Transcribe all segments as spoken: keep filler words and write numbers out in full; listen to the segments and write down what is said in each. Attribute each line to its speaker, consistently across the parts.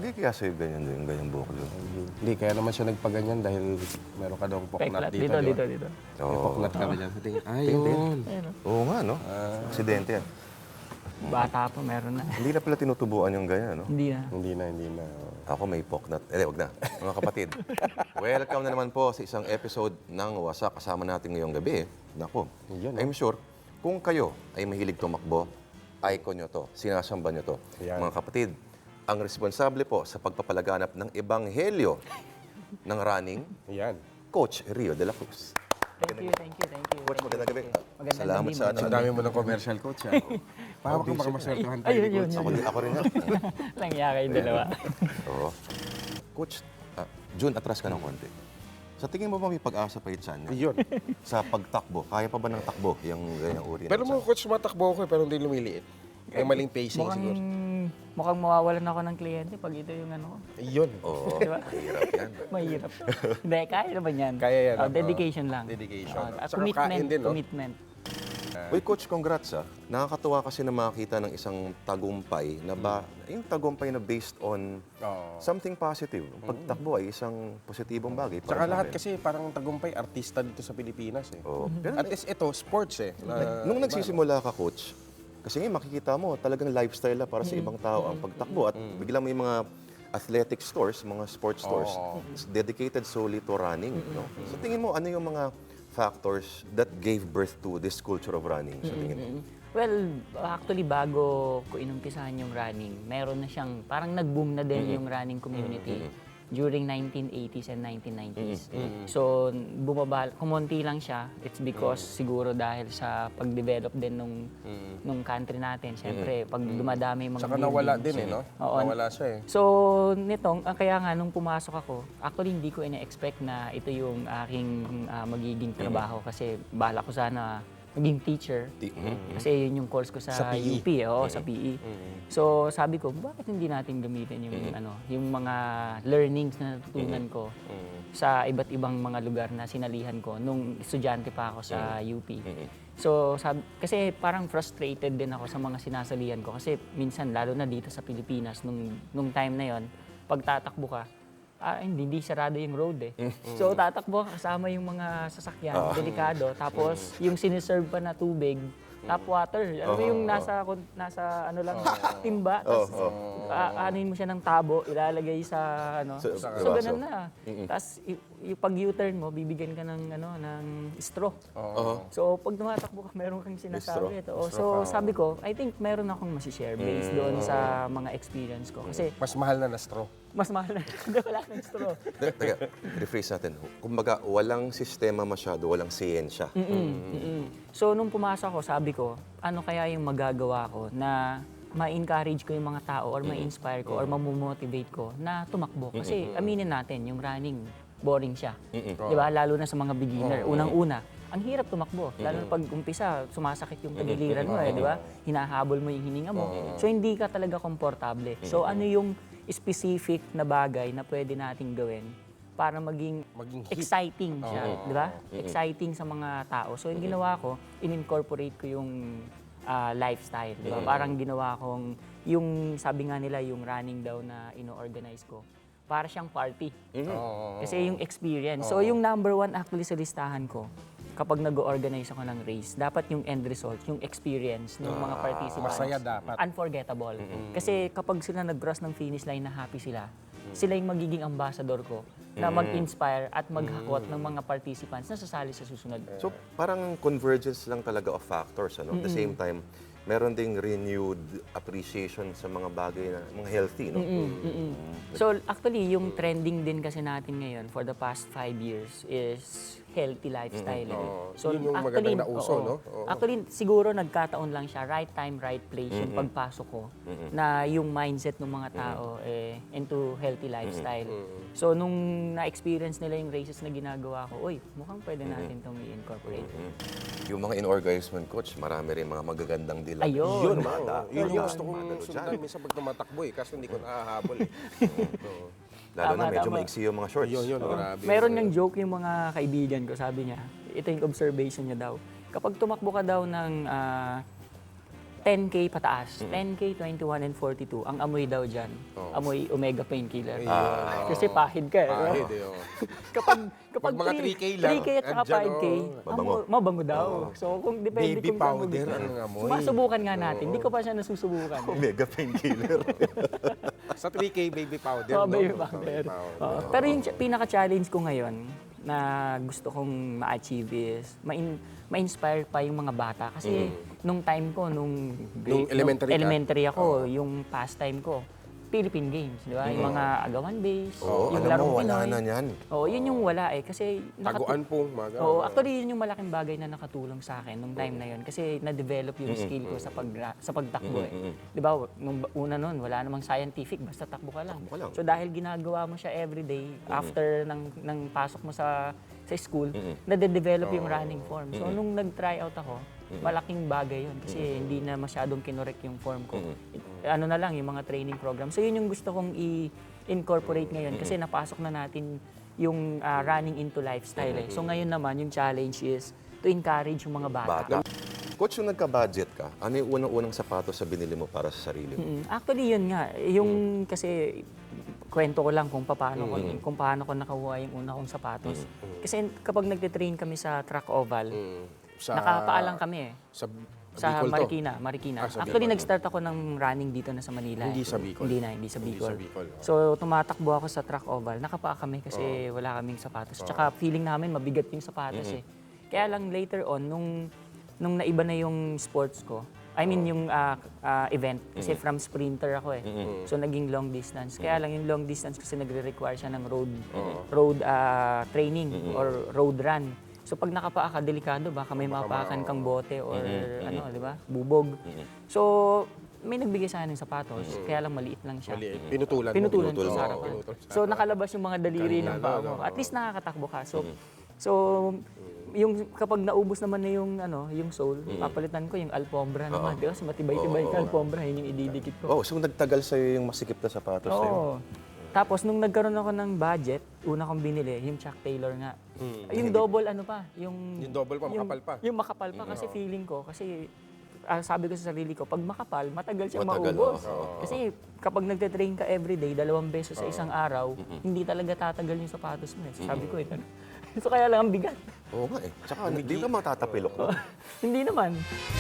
Speaker 1: Bagay kaya sa'yo ganyan din, ganyan buhok doon?
Speaker 2: Hindi, kaya naman siya nagpaganyan dahil meron ka daw poknat
Speaker 3: Peklat.
Speaker 2: dito.
Speaker 3: Dito,
Speaker 2: di
Speaker 3: dito,
Speaker 2: ba?
Speaker 3: dito.
Speaker 2: May
Speaker 1: Oo.
Speaker 2: poknat ka na dyan. Tingin, ay,
Speaker 1: Tingin,
Speaker 2: yun.
Speaker 3: Ayun, oh.
Speaker 1: Oo nga, no? Aksidente yan.
Speaker 3: Bata pa, meron na.
Speaker 1: Hindi na pala tinutubuan yung ganyan, no?
Speaker 3: Hindi na.
Speaker 2: Hindi na, hindi na.
Speaker 1: Ako may poknat. Eh, wag na. Mga kapatid, welcome na naman po sa isang episode ng Wasak. Kasama natin ngayong gabi. Nako,
Speaker 2: Yun,
Speaker 1: I'm sure, kung kayo ay mahilig tumakbo, icon nyo to, sinasamba nyo to.
Speaker 2: Yan.
Speaker 1: Mga kapatid, ang responsable po sa pagpapalaganap ng ebanghelyo ng running,
Speaker 2: Yan.
Speaker 1: Coach Rio de la Cruz.
Speaker 3: Thank you, thank you, thank you.
Speaker 1: Coach, magandang gabi.
Speaker 3: Magandang
Speaker 1: Salamat
Speaker 3: gabi,
Speaker 1: sa ano.
Speaker 2: Ang dami mo ng commercial coach, ha? Pahawak ka baka maswertuhan tayo
Speaker 3: Ayun,
Speaker 2: ni
Speaker 3: yun,
Speaker 2: coach.
Speaker 1: Ako, ako rin nga.
Speaker 3: Langya kayong dalawa.
Speaker 1: Oo. Coach, ah, June, atras ka ng konti. Sa tingin mo ba may pag-asa pa yung tiyan niya?
Speaker 2: Yun.
Speaker 1: Sa pagtakbo, kaya pa ba ng takbo yung ganyang uri ng
Speaker 2: Pero mo,
Speaker 1: tiyan?
Speaker 2: coach, matakbo ko eh, pero hindi lumiliit. May maling pacing
Speaker 3: Mukhang,
Speaker 2: siguro.
Speaker 3: mukhang mawawalan ako ng kliyente pag ito yung ano ko.
Speaker 2: Yun.
Speaker 1: Oo,
Speaker 3: Di ba?
Speaker 1: mahirap yan.
Speaker 3: Mahirap. Hindi, kaya naman yan.
Speaker 2: Kaya yan,
Speaker 3: Oh,
Speaker 2: ah.
Speaker 3: dedication lang.
Speaker 2: Dedication.
Speaker 3: Oh, at
Speaker 2: Saka
Speaker 3: commitment,
Speaker 2: kain din, no?
Speaker 3: commitment.
Speaker 1: Uy, Coach, congrats ah. Nakakatuwa kasi na makakita ng isang tagumpay na ba, yung tagumpay na based on
Speaker 2: Oo.
Speaker 1: something positive. Ang pagtakbo ay isang positibong bagay para
Speaker 2: Tsaka
Speaker 1: sa
Speaker 2: lahat
Speaker 1: amin.
Speaker 2: kasi parang tagumpay, artista dito sa Pilipinas eh.
Speaker 1: Oo. Pero
Speaker 2: At least ito, sports eh. Na,
Speaker 1: nung nagsisimula ka, Coach, kasi ngayon makikita mo, talagang lifestyle na para sa ibang tao ang pagtakbo. At biglang may mga athletic stores, mga sports stores, dedicated solely to running. No? So tingin mo, ano yung mga factors that gave birth to this culture of running sa tingin mo?
Speaker 3: Well, actually, bago ko inumpisahan yung running, meron na siyang, parang nag-boom na din yung running community during nineteen eighties and nineteen nineties. So, bumaba, kumonti lang siya. It's because siguro dahil sa pag-develop din nung, nung country natin. Siyempre, pag dumadami yung mga
Speaker 2: Tsaka nawala
Speaker 3: buildings.
Speaker 2: din eh, no?
Speaker 3: Oo.
Speaker 2: Nawala siya eh.
Speaker 3: So, nitong, ah, kaya nga, nung pumasok ako, actually, hindi ko ina-expect na ito yung aking ah, magiging trabaho kasi bala ko sana maging teacher.
Speaker 1: Ti- mhm.
Speaker 3: Kasi yun yung course ko sa,
Speaker 2: Sa P E.
Speaker 3: U P, oo, sa P E. So, sabi ko, bakit hindi natin gamitin yung ano, yung mga learnings na natutunan ko sa iba't ibang mga lugar na sinalihan ko nung estudyante pa ako sa U P. So, sabi, kasi parang frustrated din ako sa mga sinasalihan ko kasi minsan lalo na dito sa Pilipinas nung nung time na yon, pag tatakbo ka, ah, hindi, hindi sarado yung road eh. So, tatakbo ka kasama yung mga sasakyan, delikado. Tapos, yung siniserve pa na tubig, tap water. Ano mo yung nasa, kun- nasa ano lang, timba. Tapos, aanuin mo siya ng tabo, ilalagay sa ano.
Speaker 1: Sa-
Speaker 3: So,
Speaker 1: sa
Speaker 3: so
Speaker 1: baso.
Speaker 3: ganun na. Tapos, y- yung pag U-turn mo, bibigyan ka ng, ano, ng straw.
Speaker 2: Oo.
Speaker 3: So, pag tumatakbo ka, meron kang sinasabi. Ito. Oh, so, sabi ko, I think meron akong masishare based doon sa mga experience ko. Kasi,
Speaker 2: Mas mahal na na straw.
Speaker 3: mas mahal na. Hindi, wala ng straw.
Speaker 1: Teka, teka, rephrase natin. Kumbaga, walang sistema masyado, walang siyensya.
Speaker 3: Mm-mm. So, nung pumasok ako, sabi ko, ano kaya yung magagawa ko na ma-encourage ko yung mga tao or ma-inspire ko or mamomotivate ko na tumakbo. Kasi aminin natin, yung running, boring siya. Di ba? Lalo na sa mga beginner. Unang-una, ang hirap tumakbo. Lalo na pag umpisa, sumasakit yung tagiliran mo eh, di ba? Hinahabol mo yung hininga mo. So, hindi ka talaga komportable. So, ano yung specific na bagay na pwede nating gawin para maging,
Speaker 2: Maging hit.
Speaker 3: exciting siya, di ba? Exciting sa mga tao. So, yung ginawa ko, in-incorporate ko yung ah, lifestyle, di ba? Parang ginawa kong, yung sabi nga nila, yung running daw na ino-organize ko, para siyang party.
Speaker 2: Oo.
Speaker 3: Kasi yung experience. So, yung number one actually sa listahan ko, kapag nag-organize ako ng race, dapat yung end result, yung experience ng mga participants.
Speaker 2: Masaya dapat.
Speaker 3: Unforgettable. Kasi kapag sila nag-cross ng finish line na happy sila, sila yung magiging ambassador ko na mag-inspire at maghakot ng mga participants na sasali sa susunod.
Speaker 1: So, parang convergence lang talaga of factors. Ano? At the same time, meron ding renewed appreciation sa mga bagay na, mga healthy, no?
Speaker 3: So actually, yung trending din kasi natin ngayon for the past five years is healthy lifestyle. eh. So
Speaker 2: Yun yung magandang nauso,
Speaker 3: oo.
Speaker 2: no? Oo.
Speaker 3: Actually, siguro nagkataon lang siya, right time, right place, yung pagpasok ko, na yung mindset ng mga tao eh, into healthy lifestyle. So nung na-experience nila yung races na ginagawa ko, uy, mukhang pwede natin itong i-incorporate.
Speaker 1: Yung mga in-organizement coach, marami rin mga magagandang dilag.
Speaker 3: Ayun.
Speaker 2: Yun,
Speaker 1: Mada.
Speaker 2: oo. Yun yung gusto kong
Speaker 1: Madalo
Speaker 2: sundan
Speaker 1: dyan.
Speaker 2: minsan pag tumatakbo eh, kaso hindi ko nakahabol eh. Oo.
Speaker 1: Lalo na
Speaker 3: Tama,
Speaker 1: medyo
Speaker 3: tama.
Speaker 1: maiksi yung mga shorts.
Speaker 2: Yun, yun, grabe.
Speaker 3: Meron niyang joke yung mga kaibigan ko, sabi niya, ito yung observation niya daw. Kapag tumakbo ka daw ng ah, ten K pataas. ten K, twenty-one, and forty-two. Ang amoy daw dyan, amoy Omega Painkiller. Kasi pahid ka eh.
Speaker 2: Pahid eh, oh.
Speaker 3: kapag kapag
Speaker 2: Pag mga three K lang,
Speaker 3: three K at saka
Speaker 2: andyan,
Speaker 3: five K,
Speaker 2: oh.
Speaker 1: Mabango.
Speaker 3: amo- mabango daw. So kung depende
Speaker 2: Baby
Speaker 3: kung saan mo
Speaker 2: powder
Speaker 3: gusto.
Speaker 2: ang amoy.
Speaker 3: Masubukan nga natin. Hindi ko pa siya nasusubukan. eh.
Speaker 1: Omega painkiller.
Speaker 2: Sa three K baby powder,
Speaker 3: Oo,
Speaker 2: no?
Speaker 3: baby powder. Oo. Pero yung ch- pinaka-challenge ko ngayon na gusto kong ma-achieve is ma-in- ma-inspire pa yung mga bata. Kasi nung time ko, nung,
Speaker 2: Nung elementary ka?
Speaker 3: elementary ako, yung pastime ko, Philippine Games, di ba? Yung mga agawan base,
Speaker 1: Oo,
Speaker 3: yung
Speaker 1: alam
Speaker 3: larong
Speaker 1: mo, wala
Speaker 3: Pinoy.
Speaker 1: na yan.
Speaker 3: Oo, yun yung wala eh. Kasi nakatu-
Speaker 2: Taguan po, mga
Speaker 3: Oo, actually yun yung malaking bagay na nakatulong sa akin nung time na yun kasi na-develop yung skill ko sa pag sa pagtakbo eh. 'Di ba? Nung ba- una noon wala namang scientific, basta takbo ka lang.
Speaker 1: Takbo ka lang.
Speaker 3: So dahil ginagawa mo siya everyday after ng ng pasok mo sa sa school, na-develop yung running form. So nung nag-try out ako, malaking bagay yun kasi hindi na masyadong kinorek yung form ko. Ano na lang yung mga training program. So yun yung gusto kong i-incorporate ngayon kasi napasok na natin yung ah, running into lifestyle eh. So ngayon naman yung challenge is to encourage yung mga bata.
Speaker 1: Bata. Coach, yung nagka-budget ka, ano yung unang-unang sapatos sa binili mo para sa sarili mo?
Speaker 3: Mm, Actually yun nga, yung kasi kwento ko lang kung paano ko kung paano ko nakuha yung una kong sapatos. Kasi kapag nagte-train kami sa track oval,
Speaker 2: Sa,
Speaker 3: nakapaalang kami eh.
Speaker 2: Sa,
Speaker 3: Sa
Speaker 2: Bicol to?
Speaker 3: Marikina, Marikina.
Speaker 2: Ah, sa
Speaker 3: Actually,
Speaker 2: Bicol.
Speaker 3: nag-start ako ng running dito na sa Manila.
Speaker 2: Hindi
Speaker 3: eh.
Speaker 2: sa Bicol.
Speaker 3: Hindi na, hindi sa
Speaker 2: Hindi
Speaker 3: Bicol.
Speaker 2: sa Bicol, oh.
Speaker 3: So, tumatakbo ako sa track oval. Nakapaa kami kasi wala kaming sapatos. Tsaka feeling namin mabigat yung sapatos eh. Kaya lang later on, nung, nung naiba na yung sports ko, I mean yung ah, ah, event, kasi from sprinter ako eh. So, naging long distance. Kaya lang yung long distance kasi nagre-require siya ng road, road ah, training or road run. So pag nakapaa ka, delikado, baka may mapakan kang bote or ano, di ba? Bubog. So may nagbigay sa akin ng sapatos, kaya lang maliit lang siya.
Speaker 2: Mali, pinutulan mo.
Speaker 3: Pinutulan ko
Speaker 1: Pinutulan
Speaker 3: sa
Speaker 1: mo.
Speaker 3: harapan.
Speaker 2: Pinutulan sa
Speaker 3: So nakalabas yung mga daliri
Speaker 2: Kanina,
Speaker 3: ng paa
Speaker 2: no,
Speaker 3: mo.
Speaker 2: no,
Speaker 3: At least nakakatakbo ka. So so yung kapag naubos naman na yung ano, yung sole, papalitan ko yung alfombra naman. Di ba? Kasi matibay-tibay ka alfombra, yun yung ididikit ko.
Speaker 1: Oh, so nagtagal sa'yo yung masikip na sapatos na yun?
Speaker 3: Oo. Tapos nung nagkaroon ako ng budget, una kong binili, yung Chuck Taylor nga. Yung double ano pa, yung...
Speaker 2: Yung double pa, makapal pa.
Speaker 3: Yung makapal pa kasi feeling ko, kasi ah, sabi ko sa sarili ko, pag makapal, matagal siya
Speaker 1: Matagal,
Speaker 3: maubos.
Speaker 1: oo.
Speaker 3: Kasi kapag nagte-train ka everyday, dalawang beses sa isang araw, hindi talaga tatagal yung sapatos mo. Eh. So, sabi ko eh. So kaya lang ang bigat.
Speaker 1: Oo nga eh. Tsaka hindi ka matatapilok. no?
Speaker 3: Hindi naman.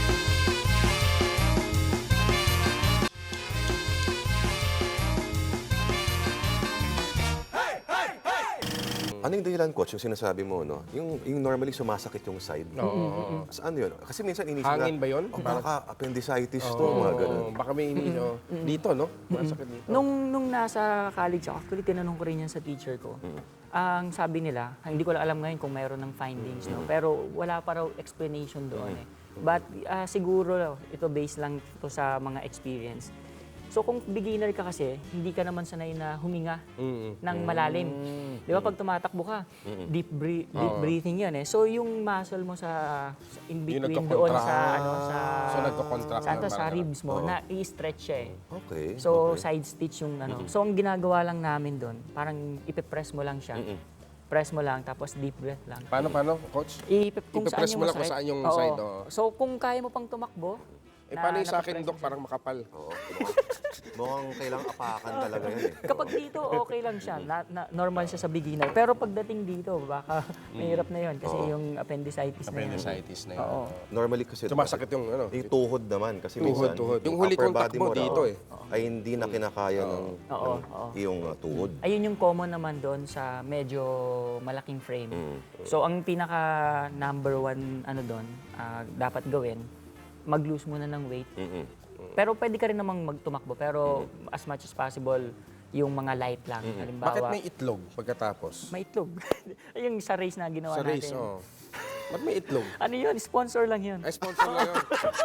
Speaker 1: Ano yung dahilan, coach, yung sinasabi mo, no? Yung, yung normally sumasakit yung side.
Speaker 2: Oo.
Speaker 1: Sa ano yun? Kasi minsan inisip
Speaker 2: Hangin
Speaker 1: na,
Speaker 2: ba yun?
Speaker 1: Oh, baka appendicitis to, mga ganun.
Speaker 2: Oo, baka may ini, oh. Dito, no? Masakit dito.
Speaker 3: Nung, nung nasa college ako, actually tinanong ko rin yan sa teacher ko. Ang sabi nila, hindi ko lang alam ngayon kung mayroon ng findings, no? Pero wala pa raw explanation doon eh. But ah, siguro ito based lang ito sa mga experience. So kung beginner ka kasi, hindi ka naman sanay na huminga ng malalim. Di ba pag tumatakbo ka, deep, breath- deep breathing yan eh. So yung muscle mo sa, sa in
Speaker 2: Yung
Speaker 3: between doon
Speaker 2: nagko-contract.
Speaker 3: sa ano sa
Speaker 2: So, nagko-contract
Speaker 3: sa,
Speaker 2: na
Speaker 3: sa
Speaker 2: parang-
Speaker 3: ribs mo na i-stretch siya eh.
Speaker 1: Okay.
Speaker 3: So, side stitch yung ano. So, ang ginagawa lang namin doon, parang ipipress mo lang siya. Press mo lang, tapos deep breath lang.
Speaker 2: Paano, paano, coach?
Speaker 3: Ipip, kung saan
Speaker 2: Ipipress
Speaker 3: yung
Speaker 2: mo lang kung
Speaker 3: masakit.
Speaker 2: saan yung
Speaker 3: Oo.
Speaker 2: side, oo.
Speaker 3: So, kung kaya mo pang tumakbo,
Speaker 2: Eh,
Speaker 3: na-
Speaker 2: paano yung sa akin,
Speaker 3: napipress
Speaker 2: Dok?
Speaker 3: mo siya.
Speaker 2: Parang makapal.
Speaker 1: Oo. Mukhang kailangang apakan talaga yan eh.
Speaker 3: Kapag dito, okay lang siya. Na, na- normal siya sa beginner. Pero pagdating dito, baka mahirap na yun. Kasi yung appendicitis, na yan.
Speaker 2: Appendicitis na yun.
Speaker 3: Oo.
Speaker 1: Normally kasi...
Speaker 2: Sumasakit yung ano?
Speaker 1: Yung tuhod naman. Kasi
Speaker 2: Tuhod,
Speaker 1: minsan,
Speaker 2: tuhod. Yung huli
Speaker 1: upper
Speaker 2: contact
Speaker 1: body
Speaker 2: mo
Speaker 1: raw
Speaker 2: dito eh.
Speaker 1: ay hindi na kinakaya ng,
Speaker 3: Oo,
Speaker 1: ng
Speaker 3: oo.
Speaker 1: iyong uh, tuhod.
Speaker 3: Ayun yung common naman doon sa medyo malaking frame. So, ang pinaka number one ano doon, ah, dapat gawin, mag-lose muna ng weight.
Speaker 1: Mm-mm.
Speaker 3: Pero pwede ka rin namang magtumakbo, pero as much as possible, yung mga light lang. Halimbawa,
Speaker 2: Bakit may itlog pagkatapos?
Speaker 3: may itlog. yung sa race na ginawa
Speaker 2: Sa race,
Speaker 3: natin.
Speaker 2: oh. Ba't may itlog?
Speaker 3: Ano yun? Sponsor lang yun.
Speaker 2: Ay, sponsor lang yun.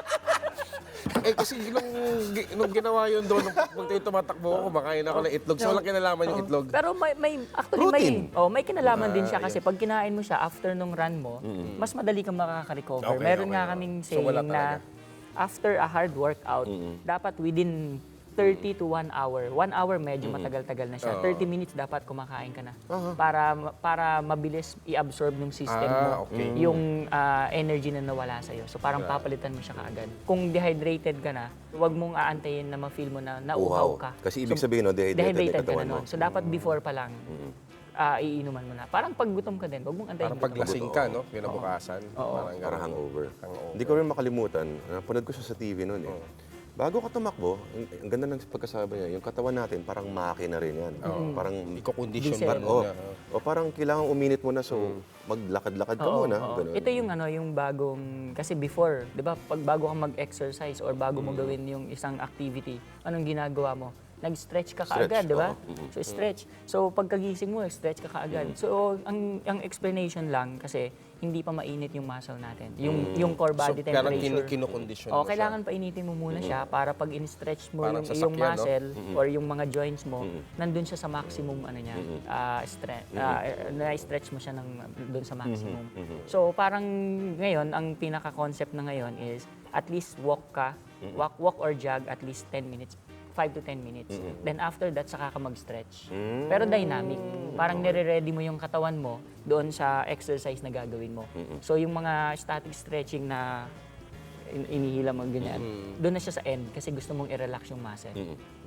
Speaker 2: Eh, kasi nung, gi- nung ginawa yun doon, nung pag tayo tumatakbo ako, kumakain ako ng itlog. So, walang kinalaman yung itlog.
Speaker 3: Pero may, may actually
Speaker 1: Protein.
Speaker 3: may oh, may kinalaman din siya kasi pag kinain mo siya after nung run mo, mas madali kang makaka-recover.
Speaker 2: Okay,
Speaker 3: Meron
Speaker 2: okay,
Speaker 3: nga
Speaker 2: okay.
Speaker 3: kaming
Speaker 2: So,
Speaker 3: saying
Speaker 2: wala
Speaker 3: na
Speaker 2: talaga.
Speaker 3: after a hard workout, dapat within thirty to one hour. one hour medyo matagal-tagal na siya. thirty minutes dapat kumakain ka na. Para para mabilis i-absorb ng system mo
Speaker 2: Ah, okay.
Speaker 3: yung ah, energy na nawala sa'yo. So parang papalitan mo siya kaagad. Kung dehydrated ka na, huwag mong aantayin na ma-feel mo na nauuhaw ka.
Speaker 1: Kasi ibig sabihin, no, dehydrated,
Speaker 3: Dehydrated
Speaker 1: yung
Speaker 3: ka na
Speaker 1: katawan mo.
Speaker 3: nun. So dapat before pa lang, ah, iinuman mo na. Parang pag gutom ka din, huwag mong antayin.
Speaker 2: Parang paglasing ka, no? Kinabukasan. Parang
Speaker 1: Para
Speaker 2: ganun.
Speaker 1: hangover.
Speaker 2: Hangover.
Speaker 1: Hindi ko rin makalimutan, napanood ko siya sa T V noon eh. Bago ka tumakbo, ang, ang ganda ng pagkasabi niya, yung katawan natin, parang makina rin yan. Parang,
Speaker 2: Iko-condition
Speaker 3: Diesel.
Speaker 2: ba
Speaker 1: oh,
Speaker 2: muna?
Speaker 1: o parang kailangan uminit mo na, so maglakad-lakad ka
Speaker 3: Oo,
Speaker 1: muna.
Speaker 3: oo.
Speaker 1: Ganun.
Speaker 3: Ito yung ano, yung bagong kasi before, 'di ba? Pag bago ka mag-exercise or bago mo gawin yung isang activity, anong ginagawa mo? Nag-stretch ka
Speaker 1: Stretch,
Speaker 3: kaagad, 'di ba?
Speaker 1: oo.
Speaker 3: So stretch. So pagkagising mo, stretch ka kaagad. So ang ang explanation lang kasi hindi pa mainit yung muscle natin. Yung yung core body
Speaker 2: So, parang kin-
Speaker 3: temperature.
Speaker 2: kinokondisyon
Speaker 3: Oh,
Speaker 2: mo
Speaker 3: kailangan painitin mo muna siya para pag in-stretch mo
Speaker 2: Parang
Speaker 3: yung,
Speaker 2: sasakyan,
Speaker 3: yung
Speaker 2: no?
Speaker 3: muscle or yung mga joints mo, nandun siya sa maximum ano niya, ah, stre- ah, na-stretch mo siya ng doon sa maximum. So parang ngayon ang pinaka-concept na ngayon is at least walk ka, walk walk or jog at least ten minutes. five to ten minutes. Then after that, saka ka mag-stretch. Pero dynamic. Parang nire-ready mo yung katawan mo doon sa exercise na gagawin mo. So yung mga static stretching na in- inihila mo ganyan, doon na siya sa end kasi gusto mong i-relax yung muscle.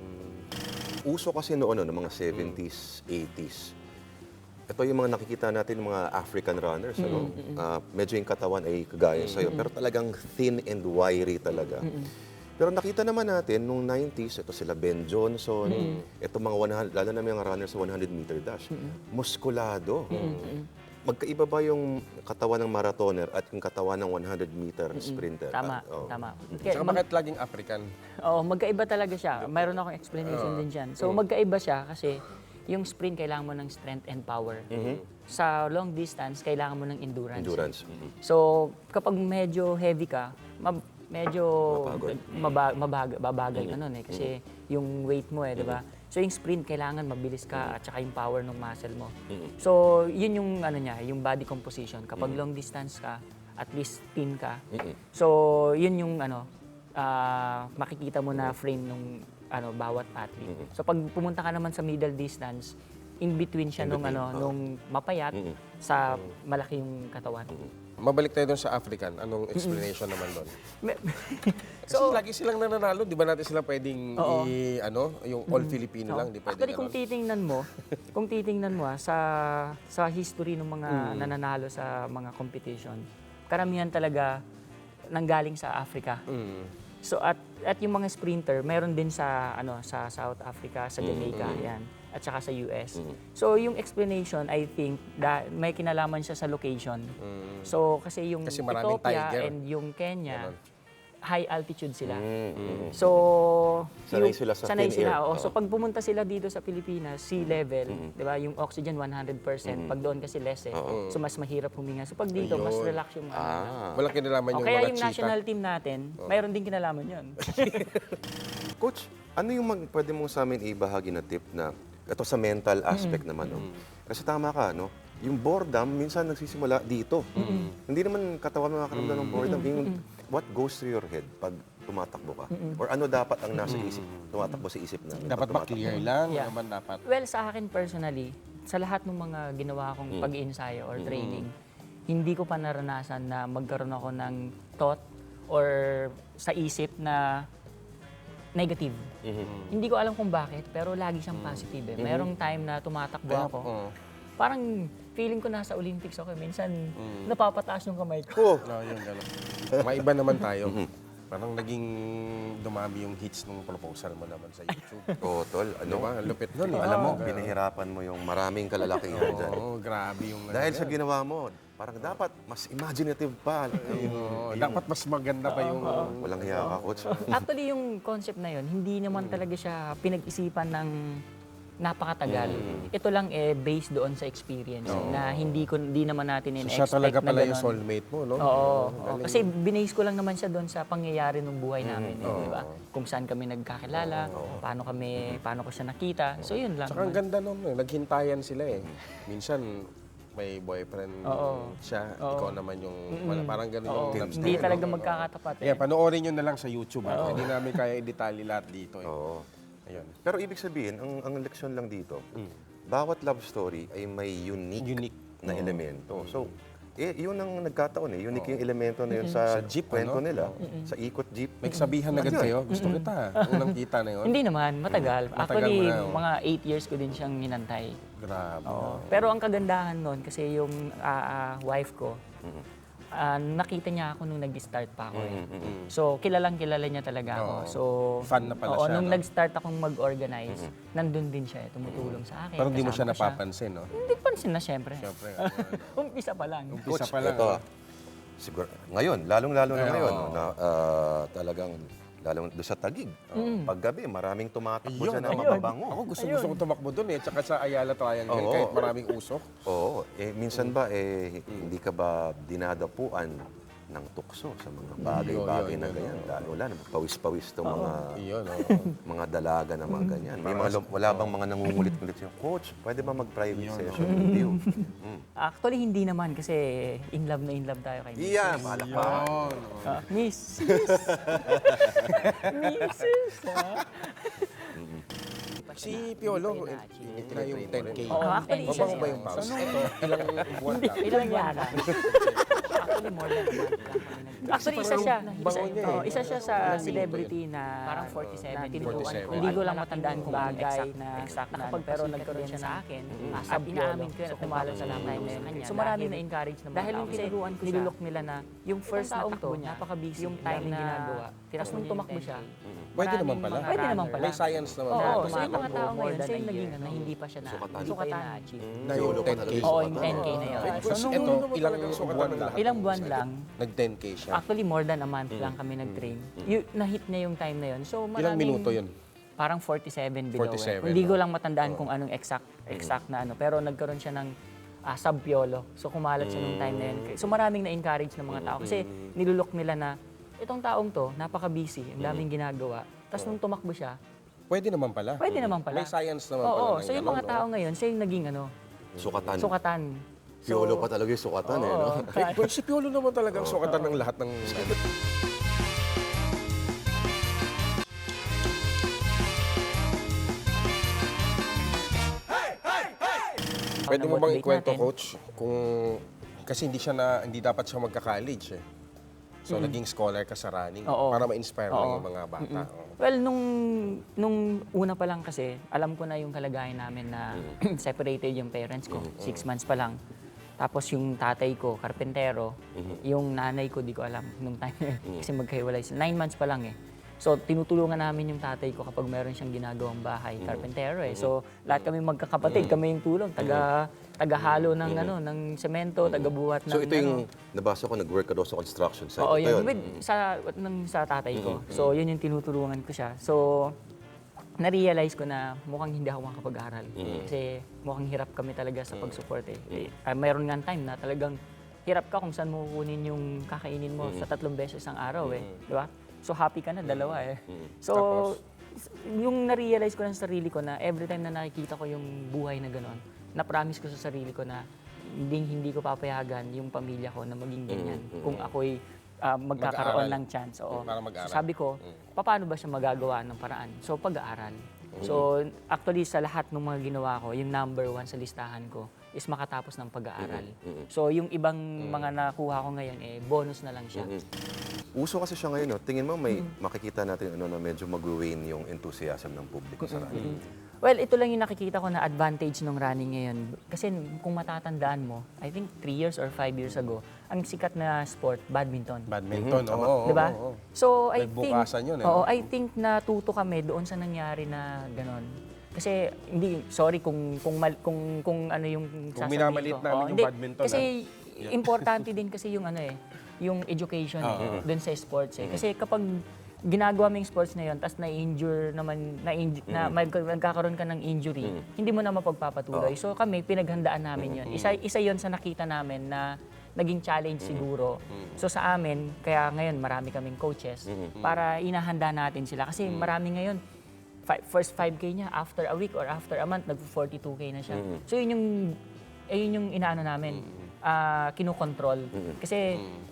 Speaker 1: Uso kasi noon, no, ng mga seventies, eighties. Ito yung mga nakikita natin, mga African runners. Ano? Ah, medyo yung katawan ay kagaya sa'yo, pero talagang thin and wiry talaga. Pero nakita naman natin, nung nineties, ito sila Ben Johnson, ito mga one hundred, lalo na mga runners sa one hundred meter dash, muskulado. Magkaiba ba yung katawan ng marathoner at yung katawan ng one hundred meter sprinter?
Speaker 3: Tama,
Speaker 1: Ah, oh.
Speaker 3: tama. Kaya
Speaker 2: Saka
Speaker 3: mag-
Speaker 2: bakit laging African?
Speaker 3: Oo, magkaiba talaga siya. Mayroon akong explanation din dyan. So magkaiba siya kasi yung sprint kailangan mo ng strength and power. Sa long distance, kailangan mo ng endurance.
Speaker 1: Endurance. Mhm.
Speaker 3: So kapag medyo heavy ka, mab- medyo
Speaker 1: Mapagod.
Speaker 3: maba- mabaga- babagal ka nun eh. Kasi yung weight mo eh, di ba? So yung sprint, kailangan mabilis ka at saka yung power ng muscle mo. So yun yung ano niya, yung body composition. Kapag long distance ka, at least thin ka. So yun yung ano, ah, makikita mo na frame ng ano bawat athlete. So pag pumunta ka naman sa middle distance, in between siya
Speaker 1: In
Speaker 3: nung
Speaker 1: between,
Speaker 3: ano,
Speaker 1: oo.
Speaker 3: nung mapayat sa malaki yung katawan.
Speaker 2: Mabalik tayo doon sa African. Anong explanation naman doon?
Speaker 3: Me-
Speaker 2: Kasi lagi silang nananalo. Di ba natin sila pwedeng
Speaker 3: Oo.
Speaker 2: i, ano, yung all Filipino lang. Di pwedeng
Speaker 3: Actually, kung
Speaker 2: ano.
Speaker 3: titingnan mo, kung titingnan mo ah, sa sa history ng mga nananalo sa mga competition, karamihan talaga nanggaling sa Africa.
Speaker 2: Mm.
Speaker 3: So at at yung mga sprinter, meron din sa ano sa South Africa, sa Jamaica, yan, at saka sa U S. So yung explanation, I think, da, may kinalaman siya sa location. So kasi yung
Speaker 2: Kasi maraming
Speaker 3: Ethiopia
Speaker 2: tiger.
Speaker 3: and yung Kenya, high altitude sila.
Speaker 1: Mm.
Speaker 3: So,
Speaker 1: Sanay
Speaker 3: yung-
Speaker 1: sila sa
Speaker 3: sanay
Speaker 1: thin
Speaker 3: sila.
Speaker 1: air.
Speaker 3: oo. So, pag pumunta sila dito sa Pilipinas, sea level, di ba, yung oxygen one hundred percent, pag doon kasi less eh. So, mas mahirap huminga. So, pag dito, mas relax yung ano.
Speaker 1: Ah.
Speaker 2: Walang kinalaman
Speaker 3: O,
Speaker 2: yung
Speaker 3: kaya
Speaker 2: mga
Speaker 3: yung
Speaker 2: cheetah.
Speaker 3: national team natin, mayroon din kinalaman yun.
Speaker 1: Coach, ano yung mag, pwede mong sa amin ibahagi na tip na ito sa mental aspect naman, no? Kasi tama ka, no? Yung boredom, minsan nagsisimula dito. Hindi naman katawan makakaramdam ng boredom. Yung, what goes through your head pag tumatakbo ka? Or ano dapat ang nasa isip, tumatakbo sa isip namin?
Speaker 2: Dapat
Speaker 1: pag
Speaker 2: ba
Speaker 1: tumatakbo?
Speaker 2: clear lang?
Speaker 3: Yeah.
Speaker 2: Naman dapat.
Speaker 3: Well, sa akin personally, sa lahat ng mga ginawa kong pag-iensayo or training, hindi ko pa naranasan na magkaroon ako ng thought or sa isip na negative. Hindi ko alam kung bakit, pero lagi siyang positive. Eh. Merong time na tumatakbo ako.
Speaker 2: Oo.
Speaker 3: Parang feeling ko nasa Olympics ako. Minsan, napapataas yung kamay ko.
Speaker 1: Oh,
Speaker 2: No, yun, gano'n. Maiba naman tayo. Parang naging dumami yung hits ng proposal mo naman sa YouTube.
Speaker 1: oh, tol, ano?
Speaker 2: Ano ba? Ang lupit nun eh.
Speaker 1: Alam mo,
Speaker 2: Ah,
Speaker 1: binahirapan mo yung maraming kalalakihan dyan.
Speaker 2: Oo, grabe yung...
Speaker 1: Dahil sa ginawa mo, parang dapat mas imaginative pa. Yung,
Speaker 2: Oo, dapat mas maganda pa yung...
Speaker 1: walang hiya ka, coach.
Speaker 3: Actually, yung concept na yun, hindi naman talaga siya pinag-isipan ng napakatagal. Ito lang eh based doon sa experience na hindi ko hindi naman natin
Speaker 2: So,
Speaker 3: in-expect
Speaker 2: siya talaga
Speaker 3: na
Speaker 2: pala yung
Speaker 3: ganun.
Speaker 2: soulmate mo, no?
Speaker 3: Oo, oo. Kasi binase ko lang naman siya doon sa pangyayari ng buhay namin, eh, di ba? Kung saan kami nagkakilala, paano kami paano ko siya nakita. So yun lang.
Speaker 2: Tsaka ang ganda nun, eh. Naghintayan sila eh. Minsan, may boyfriend siya, ikaw naman yung... Wala, parang ganun
Speaker 3: Oo,
Speaker 2: yung love
Speaker 3: hindi
Speaker 2: story,
Speaker 3: talaga
Speaker 2: no?
Speaker 3: magkakatapat. Eh.
Speaker 2: Yeah, panoorin nyo na lang sa YouTube. Ha? Hindi namin kaya i-detalye lahat dito. Eh.
Speaker 1: Oo.
Speaker 2: Ayun.
Speaker 1: Pero ibig sabihin, ang, ang leksyon lang dito, bawat love story ay may unique,
Speaker 2: Unique.
Speaker 1: na elemento. So, eh, yun ang nagkataon eh. Unique yung elemento na yun sa,
Speaker 2: Sa jeep,
Speaker 1: kwento
Speaker 2: ano?
Speaker 1: nila. Sa ikot jeep.
Speaker 2: May sabihan agad
Speaker 1: Yun.
Speaker 2: kayo, gusto kita. Unang kita na yun.
Speaker 3: Hindi naman, matagal.
Speaker 2: Matagal
Speaker 3: Actually,
Speaker 2: mo na, oh.
Speaker 3: mga eight years ko din siyang hinantay.
Speaker 2: Grabe.
Speaker 3: Oo. Pero ang kagandahan nun, kasi yung ah, ah, wife ko, ah, nakita niya ako nung nag-start pa ako. Eh. So, kilalang kilala niya talaga ako.
Speaker 2: Oo.
Speaker 3: So,
Speaker 2: Fan na pala
Speaker 3: oo,
Speaker 2: siya,
Speaker 3: nung
Speaker 2: no?
Speaker 3: nag-start akong mag-organize, nandun din siya, eh, tumutulong sa akin.
Speaker 2: Pero hindi mo siya
Speaker 3: kasama ko
Speaker 2: napapansin, no?
Speaker 3: Hindi pansin na, syempre.
Speaker 2: Siyempre.
Speaker 3: Umpisa pa lang.
Speaker 2: Umpisa
Speaker 1: Coach,
Speaker 2: pa lang.
Speaker 1: ito,
Speaker 2: ah.
Speaker 1: siguro, ngayon, lalong-lalo na
Speaker 2: Ay,
Speaker 1: ngayon,
Speaker 2: oo.
Speaker 1: no, na ah, talagang, lalong doon sa Tagig. Paggabi, maraming tumatakbo dyan na
Speaker 2: ako-
Speaker 1: mababango.
Speaker 2: Ako gusto gusto kong tumakbo doon eh. Tsaka sa Ayala Triangle,
Speaker 1: Oo.
Speaker 2: kahit maraming usok.
Speaker 1: Oo. Eh, minsan ba, eh, hindi ka ba dinadapuan ng tukso sa mga bagay-bagay
Speaker 2: yun,
Speaker 1: na
Speaker 2: yun,
Speaker 1: ganyan? Lalo-lalo, pawis-pawis itong mga
Speaker 2: Iyon, oo.
Speaker 1: mga dalaga na mga ganyan. May mga, lum- wala bang mga nangungulit-ngulit siya, Coach, pwede ba mag-private session with you? Mm.
Speaker 3: Actually, hindi naman kasi in love na in love tayo kay Miss.
Speaker 1: Iya, palakpak.
Speaker 2: Yun.
Speaker 3: Ah, Miss. Missus. ah.
Speaker 2: Si Piolo, eh, na yung ten K.
Speaker 3: Oo, actually, isa
Speaker 2: Mabango
Speaker 3: siya.
Speaker 2: ba yung pause? Ito, ilang buwan lang.
Speaker 3: Ilang buwan lang. Actually, more than a month lang kami nag- Actually, isa siya. Isa,
Speaker 2: Bango niya eh.
Speaker 3: oh, isa siya sa celebrity na parang forty-seven. Na tinutukan ko.
Speaker 2: forty-seven.
Speaker 3: Hindi ko lang matandaan kung bagay na exact na ano, pero nagkaroon siya sa akin. At inaamin ko yun at kumalat sa lang tayo sa kanya. So marami na encourage naman. Dahil yung tinuruan ko siya, nilulok nila na yung first taong to, napaka-busy. Yung time na ginagawa. Tapos nung tumakbo siya,
Speaker 2: Pwede naman pala.
Speaker 3: mga Pwede naman pala.
Speaker 2: May science naman.
Speaker 3: Oo,
Speaker 2: pala.
Speaker 3: so yung mga tao ngayon, siya yung naging na hindi pa siya na, hindi pa yun na-achieve.
Speaker 2: Na yung ten K.
Speaker 3: Oo, yung ten K na yun.
Speaker 2: So,
Speaker 3: So,
Speaker 2: ito,
Speaker 3: nung
Speaker 2: ilang buwan lang.
Speaker 3: ilang buwan lang,
Speaker 2: Nag-ten K siya.
Speaker 3: actually more than a month lang kami nag-train. Yung, na-hit niya yung time na yun. So, maraming,
Speaker 2: Ilang minuto yun?
Speaker 3: Parang forty-seven below.
Speaker 2: forty-seven,
Speaker 3: eh. Hindi ko
Speaker 2: oh.
Speaker 3: lang matandaan kung anong exact exact na ano. Pero nagkaroon siya ng ah, sub-piolo. So, kumalat siya nung time na yun. So, maraming na-encourage ng mga tao. Kasi nilulok nila na, itong taong to, napaka-busy, ang daming ginagawa. Tapos nung tumakbo siya,
Speaker 2: Pwede naman pala.
Speaker 3: pwede naman pala.
Speaker 2: May science naman
Speaker 3: Oo,
Speaker 2: pala. ng
Speaker 3: so yung
Speaker 2: ganun,
Speaker 3: mga
Speaker 2: no?
Speaker 3: tao ngayon, siya yung naging ano,
Speaker 1: Sukatan.
Speaker 3: sukatan.
Speaker 1: Piolo pa talaga yung sukatan eh, no?
Speaker 3: Oo.
Speaker 2: Eh, well, si Piolo naman talagang sukatan ng lahat ng... Pwede mo bang
Speaker 3: motivate
Speaker 2: ikwento,
Speaker 3: natin.
Speaker 2: Coach, kung... Kasi hindi siya na, hindi dapat siya magka-college eh. So, naging scholar ka sa running
Speaker 3: Mm. Oo.
Speaker 2: para ma-inspire lang
Speaker 3: Oo.
Speaker 2: yung mga bata. Oo.
Speaker 3: Well, nung, nung una pa lang kasi, alam ko na yung kalagayan namin na separated yung parents ko. Six months pa lang. Tapos yung tatay ko, karpentero. Yung nanay ko, di ko alam nung time na yun. Kasi magkahiwalay sila. Nine months pa lang eh. So, tinutulungan namin yung tatay ko kapag meron siyang ginagawang bahay, karpentero eh. So, lahat kami magkakapatid, kami yung tulong, taga tagahalo ng ano, ng semento, tagabuhat ng
Speaker 1: So ito yung,
Speaker 3: ano.
Speaker 1: nabasa ko, nag-work ka daw sa construction site.
Speaker 3: Oo,
Speaker 1: Ito
Speaker 3: yun. With, sa, ng, sa tatay ko. So, yun yung tinutulungan ko siya. So, na-realize ko na mukhang hindi ako makapag-aral. Kasi mukhang hirap kami talaga sa pag-support eh. eh ah, mayroon nga time na talagang hirap ka kung saan mo kukunin yung kakainin mo sa tatlong beses ang araw eh. Di ba? So, happy ka na, dalawa eh. So, s- yung na-realize ko na sa sarili ko na every time na nakikita ko yung buhay na gano'n, na-promise ko sa sarili ko na hindi, hindi ko papayagan yung pamilya ko na maging ganyan. Kung ako'y ah, magkakaroon
Speaker 2: Mag-aaral.
Speaker 3: ng chance. Oo.
Speaker 2: Para mag-aral.
Speaker 3: So, sabi ko, paano ba siya magagawa ng paraan? So, pag-aaral. So, actually, sa lahat ng mga ginawa ko, yung number one sa listahan ko is makatapos ng pag-aaral. So, yung ibang mga nakuha ko ngayon, eh, bonus na lang siya.
Speaker 1: Uso kasi siya ngayon, no? Tingin mo may makikita natin ano, na medyo mag-wane yung enthusiasm ng publiko sa running.
Speaker 3: Well, ito lang yung nakikita ko na advantage ng running ngayon. Kasi kung matatandaan mo, I think three years or five years ago, ang sikat na sport, badminton.
Speaker 2: Badminton, oo. oo,
Speaker 3: Di ba?
Speaker 2: oo, oo.
Speaker 3: So, I think,
Speaker 2: Nagbukasan yun, eh,
Speaker 3: oo,
Speaker 2: no?
Speaker 3: I think natuto kami doon sa nangyari na ganon. Kasi hindi sorry kung kung mal, kung kung ano yung
Speaker 2: Kung
Speaker 3: sasabihin
Speaker 2: minamalit
Speaker 3: ko.
Speaker 2: namin
Speaker 3: Oo,
Speaker 2: yung
Speaker 3: hindi.
Speaker 2: badminton,
Speaker 3: Kasi importante din kasi yung ano eh, yung education
Speaker 2: Oo.
Speaker 3: doon sa sports eh. Kasi kapag ginagawa mo yung sports na yun, tapos na-injure naman, na, na mag, nagkakaroon ka ng injury, hindi mo na mapagpapatuloy. So kami, pinaghandaan namin yun. Isa, isa yun sa nakita namin na naging challenge siguro. So sa amin, kaya ngayon marami kaming coaches para inahanda natin sila. Kasi marami ngayon, fi- first five K niya, after a week or after a month, nag-forty-two K na siya. So yun yung, eh, yun yung inaano namin, ah, kinukontrol. Kasi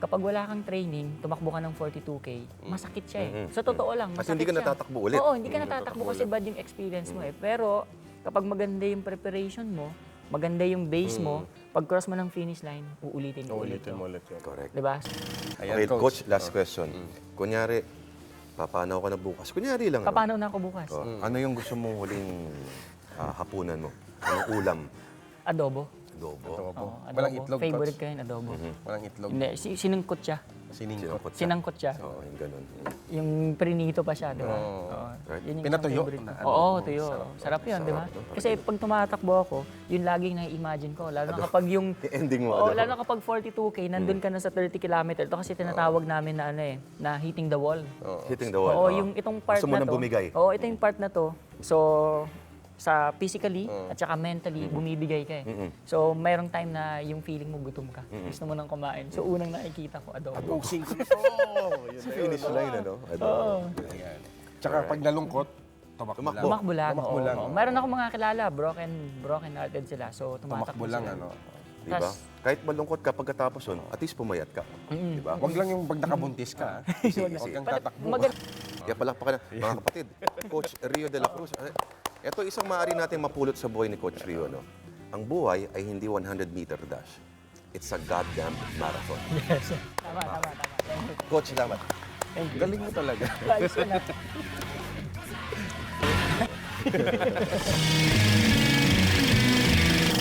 Speaker 3: kapag wala kang training, tumakbo ka ng forty-two K, masakit siya eh. So totoo lang,
Speaker 1: Kasi
Speaker 3: masakit
Speaker 1: hindi ka
Speaker 3: siya.
Speaker 1: natatakbo ulit.
Speaker 3: Oo, hindi ka
Speaker 1: Hindi
Speaker 3: natatakbo
Speaker 1: natatakbo
Speaker 3: kasi
Speaker 1: ulit.
Speaker 3: bad yung experience mo eh. Pero kapag maganda yung preparation mo, maganda yung base mo, pag cross mo ng finish line, uulitin mo ulit.
Speaker 2: Ulitin mo ulit yun.
Speaker 1: Correct.
Speaker 3: Diba?
Speaker 2: Ayan,
Speaker 1: Okay, coach,
Speaker 2: coach.
Speaker 1: last question. Kunyari, papanaw ka na bukas. Kunyari lang. ano?
Speaker 3: Paano na ako bukas?
Speaker 1: Oh, Ano yung gusto mong huling ah, hapunan mo? Anong ulam?
Speaker 3: Adobo.
Speaker 1: Adobo.
Speaker 2: Adobo.
Speaker 3: Oo, adobo.
Speaker 2: Walang itlog,
Speaker 3: Favorite
Speaker 2: coach.
Speaker 3: ko yun, adobo.
Speaker 2: Walang itlog.
Speaker 3: Hindi, si- sinungkot siya.
Speaker 2: Siningkot.
Speaker 1: Sinangkot siya.
Speaker 3: Sinangkot siya.
Speaker 1: Oo, yung ganun.
Speaker 3: Yung prinito pa siya, di ba?
Speaker 2: Oo.
Speaker 3: Oo.
Speaker 1: Right.
Speaker 3: Yun yung
Speaker 2: Pinatuyo
Speaker 3: favorite ko.
Speaker 2: na ano.
Speaker 3: Oo, tuyo. Sarap, yun, di ba?
Speaker 1: Sarap, no?
Speaker 3: Kasi pag tumatakbo ako, yun laging na-imagine ko. Lalo na kapag yung...
Speaker 1: Yung ending mo.
Speaker 3: Oo,
Speaker 1: adobo.
Speaker 3: lalo na kapag forty-two K, nandun ka na sa thirty kilometer. Ito kasi tinatawag namin na ano eh, na hitting the wall.
Speaker 1: Hitting the wall.
Speaker 3: Oo,
Speaker 1: Oo.
Speaker 3: yung itong part
Speaker 1: Gusto mo
Speaker 3: na
Speaker 1: nang
Speaker 3: to.
Speaker 1: bumigay.
Speaker 3: Oo, ito yung part na to. So, sa physically at saka mentally, bumibigay ka eh. So, mayroong time na yung feeling mo gutom ka. Gusto mo nang kumain. So, unang nakikita ko, adobo.
Speaker 2: Boxing ko na to. Yun
Speaker 1: Sa
Speaker 2: na yun.
Speaker 1: finish line, ano? Adobo.
Speaker 2: Ayan. Tsaka pag nalungkot, tumakbo lang.
Speaker 1: Tumakbo.
Speaker 3: Tumakbo lang.
Speaker 2: Tumakbo
Speaker 3: oo,
Speaker 2: lang.
Speaker 3: oo. Mayroon ako mga kilala, broken broken hearted sila. So, tumatakbo
Speaker 2: Tumakbo lang,
Speaker 3: sila.
Speaker 2: ano.
Speaker 1: Di ba?
Speaker 3: Tas-
Speaker 1: Kahit malungkot ka pagkatapos nun, at least pumayat ka. Di ba?
Speaker 2: Wag lang yung pag nakabuntis ka. ah. Huwag kang tatakbo.
Speaker 3: Maganda.
Speaker 1: Kaya palakpakan na, mga kapatid, Coach Rio de la Cruz. eh, Ito isang maaari natin mapulot sa buhay ni Coach Rio. No? Ang buhay ay hindi one hundred meter dash. It's a goddamn marathon.
Speaker 3: Tama, tama, tama. Thank you.
Speaker 1: Coach, salamat.
Speaker 2: Galing mo talaga.
Speaker 3: Ayos ka na.